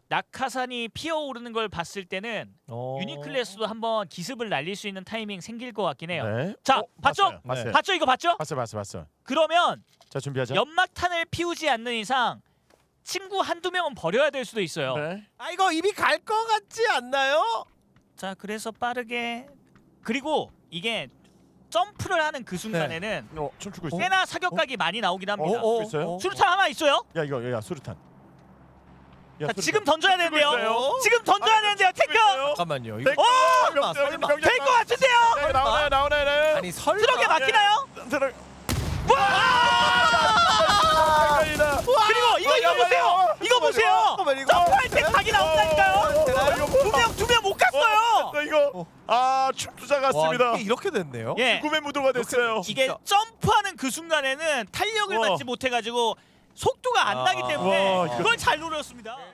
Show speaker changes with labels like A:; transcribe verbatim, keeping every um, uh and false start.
A: 낙하산이 피어오르는 걸 봤을 때는
B: 어...
A: 유니클래스도 한번 기습을 날릴 수 있는 타이밍 생길 것 같긴 해요.
C: 네.
A: 자,
C: 어,
A: 봤죠?
C: 봤어요. 봤어요.
A: 봤죠? 이거 봤죠?
C: 봤어요. 봤어요. 봤어요.
A: 그러면
C: 자, 준비하자.
A: 연막탄을 피우지 않는 이상 친구 한두 명은 버려야 될 수도 있어요.
C: 네.
B: 아 이거 이미 갈 것 같지 않나요?
A: 자, 그래서 빠르게 그리고 이게 점프를 하는 그 순간에는
C: 어, 춤추고 있어.
A: 꽤나 사격각이 많이 나오긴 합니다.
C: 어, 어, 있어요?
A: 수류탄 하나 있어요?
C: 야, 이거 야, 수류탄. 야,
A: 자,
C: 수류탄.
A: 지금 던져야 되는데요.
C: 있어요?
A: 지금 던져야
C: 아,
A: 되는데요. 탱크
B: 잠깐만요. 이거
C: 탱크.
A: 어!
C: 명령,
B: 설마.
C: 명령,
A: 될 것 같은데요.
C: 네, 나오네, 나오네, 네.
B: 아니 설마
A: 트럭에 막히나요?
C: 들어.
A: 와! 그리고 이거 이거 보세요. 이거 보세요.
B: 잠깐만 이거
A: 점프할 때 각이 나온다니까요. 두 명 두 명 못 갔어요.
C: 어, 이거 아, 춤투자
B: 와,
C: 같습니다.
B: 이게 이렇게 됐네요.
A: 예.
C: 꿈의 무도가 됐어요.
A: 이게
B: 진짜.
A: 점프하는 그 순간에는 탄력을
C: 와.
A: 받지 못해가지고 속도가 안 나기
B: 아.
A: 때문에
C: 와, 이거-
A: 그걸 잘 노렸습니다.